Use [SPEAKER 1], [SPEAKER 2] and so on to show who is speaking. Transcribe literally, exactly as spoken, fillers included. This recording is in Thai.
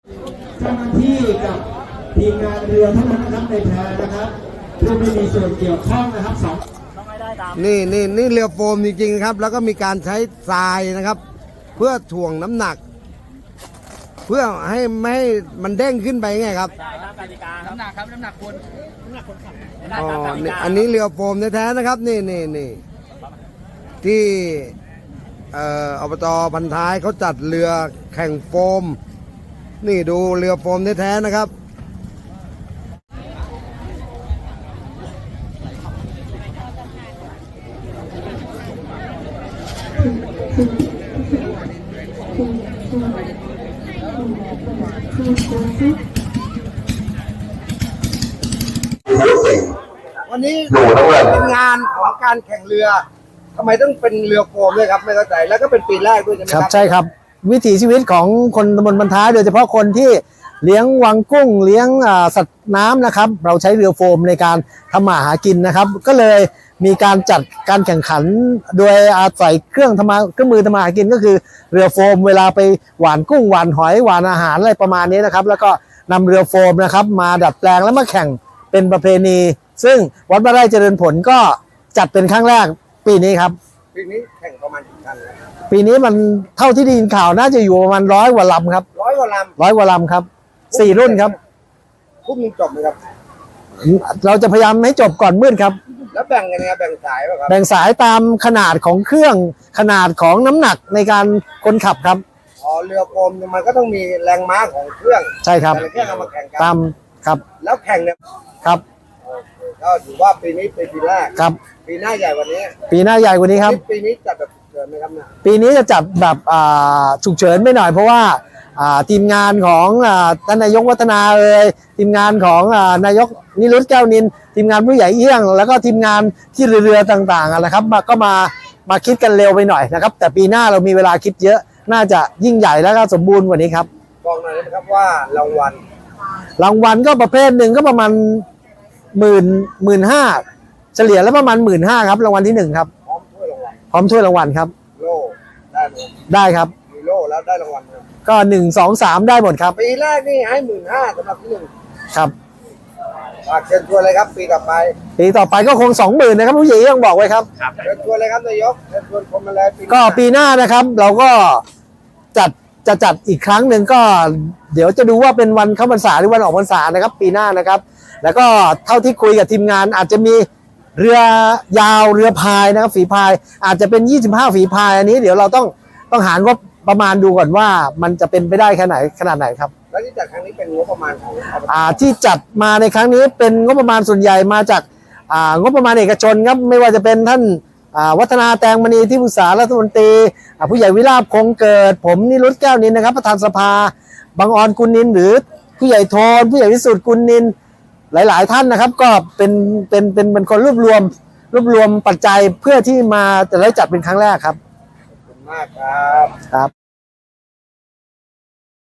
[SPEAKER 1] เจ้าหน้าที่กับทีมงานเรือเท่านั้นนะครับในแพนะครับผู้ไม่มีส่วนเกี่ยวข้องนะครับสอง
[SPEAKER 2] นี่นี่นี่เรือโฟมจริงๆครับ แล้วก็มีการใช้ทรายนะครับ เพื่อถ่วงน้ำหนัก เพื่อให้ไม่ให้มันเด้งขึ้นไปไงครับ
[SPEAKER 3] ใช่ครับกติกาน้ำหนักครับน้ำหนักคนน้ำหนักคนขับ
[SPEAKER 2] อ๋อนี่อันนี้เรือโฟมแท้ๆนะครับนี่นี่นี่ที่เอ่ออบตพันท้ายเขาจัดเรือแข่งโฟมนี่ดูเรือโฟมแท้ๆนะครับวันนี้เป็นงานของการแข่งเรือทำไมต้องเป็นเรือโฟมด้วยครับไม่เข้าใจแล้วก็เป็นปีแรกด้วยใช่ไหมครับ
[SPEAKER 4] ใช่ครับวิถีชีวิตของคนตำบลบรรท้ายโดยเฉพาะคนที่เลี้ยงวังกุ้งเลี้ยงสัตว์น้ำนะครับเราใช้เรือโฟมในการทำมาหากินนะครับก็เลยมีการจัดการแข่งขันโดยอาศัยเครื่องทำมาเครื่องมือทำมาหากินก็คือเรือโฟมเวลาไปหว่านกุ้งหว่านหอยหว่านอาหารอะไรประมาณนี้นะครับแล้วก็นำเรือโฟมนะครับมาดัดแปลงแล้วมาแข่งเป็นประเพณีซึ่งวัดบ้านไร่เจริญผลก็จัดเป็นครั้งแรกปีนี้ครับ
[SPEAKER 2] ปีนี้แข่งประมาณกี่คัน
[SPEAKER 4] ปีนี้มันเท่าที่ได้ยินข่าวน่าจะอยู่ประมาณร้อยกว่าลำครับ
[SPEAKER 2] ร้อยกว่าล
[SPEAKER 4] ำร้อยกว่าลำครับสี่รุ่นครับ
[SPEAKER 2] พรุ่งนี้จบไหมครับ
[SPEAKER 4] เราจะพยายามให้จบก่อนมืดครับ
[SPEAKER 2] แล้วแบ่งกันไงแบ่งสายป่ะครับ
[SPEAKER 4] แบ่งสายตามขนาดของเครื่องขนาดของน้ำหนักในการคนขับครับ
[SPEAKER 2] อ๋อเรือโฟมมันก็ต้องมีแรงม้าของเครื่อง
[SPEAKER 4] ใช่ครับ
[SPEAKER 2] แต่ละเครื่องเอามาแข่งกัน
[SPEAKER 4] ตามครับ
[SPEAKER 2] แล้วแข่งเนี่ย
[SPEAKER 4] ครับ
[SPEAKER 2] ก็ถือว่าปีนี้เป็นปีแรก
[SPEAKER 4] ครับ
[SPEAKER 2] ปีหน้าใหญ่กว่านี้
[SPEAKER 4] ปีหน้าใหญ่กว่านี้ครับ
[SPEAKER 2] ปีนี้จัดแบบเกิดไหมครับเนี่ย
[SPEAKER 4] ปีนี้จะจัดแบบฉุกเฉินไม่หน่อยเพราะว่าทีมงานของท่านนายกวัฒนาเอ่ยทีมงานของนายกนิรุตแก้วนินทีมงานผู้ใหญ่เอี้ยงแล้วก็ทีมงานที่เรือต่างๆนะครับก็มามาคิดกันเร็วไปหน่อยนะครับแต่ปีหน้าเรามีเวลาคิดเยอะน่าจะยิ่งใหญ่แล้วก็สมบูรณ์กว่านี้ครับ
[SPEAKER 2] บอกหน่อยนะครับว่ารางวัล
[SPEAKER 4] รางวัลก็ประเภทหนึ่งก็ประมาณหมื่นหมื่นห้าเฉลี่ยแล้วประมาณหมื่นห้าครับรางวัลที่หนึ่งครับ
[SPEAKER 2] พร้อมถ้วยรางวัล
[SPEAKER 4] พร้อมถ้วยรางวัลครับ
[SPEAKER 2] โล่ได้ไหม
[SPEAKER 4] ได้ครับ
[SPEAKER 2] มีโล่แล้วได้รางวัล
[SPEAKER 4] ก็หนึ่งสองสามได้หมดครับ
[SPEAKER 2] ปีแรกนี่ให้หมื่นห้าสำหรับที่หนึ่ง
[SPEAKER 4] ครับ
[SPEAKER 2] ฝากเชิญชวนเลยครับปีต่อไป
[SPEAKER 4] ปีต่อไปก็คงสองหมื่นนะครับผู้ใหญ่ต้องบอกไว้ครับ
[SPEAKER 2] เชิญชวนเลยครับนายกเชิญชวนคนมาเลย
[SPEAKER 4] ก็ปีหน้านะครับเราก็จัดจะจัดอีกครั้งหนึ่งก็เดี๋ยวจะดูว่าเป็นวันเข้าพรรษาหรือวันออกพรรษานะครับปีหน้านะครับแล้วก็เท่าที่คุยกับทีมงานอาจจะมีเรือยาวเรือพายนะครับฝีพายอาจจะเป็นยี่สิบห้าฝีพายอันนี้เดี๋ยวเราต้องต้องหาว่าประมาณดูก่อนว่ามันจะเป็นไปได้แค่ไหนขนาดไหนครับ
[SPEAKER 2] แล้วที่จัดครั้งนี้เป็นงบประมาณของ
[SPEAKER 4] อ่าที่จัดมาในครั้งนี้เป็นงบประมาณส่วนใหญ่มาจากอ่างบประมาณเอกชนครับไม่ว่าจะเป็นท่านอ่าวัฒนาแตงมณีที่ปรึกษารัฐมนตรีอ่าผู้ใหญ่วิราพคงเกิดผมนิรุตแก้วนินนะครับประธานสภาบางออนกุลนินหรือผู้ใหญ่โทนผู้ใหญ่วิสุทธิ์กุลนินหลายๆท่านนะครับก็เป็นเป็นเป็นเป็นคนรวบรวมรวบรวมปัจจัยเพื่อที่มาจะได้จัดเป็นครั้งแรกครับ
[SPEAKER 2] ขอบคุณมากครับ
[SPEAKER 4] ครับ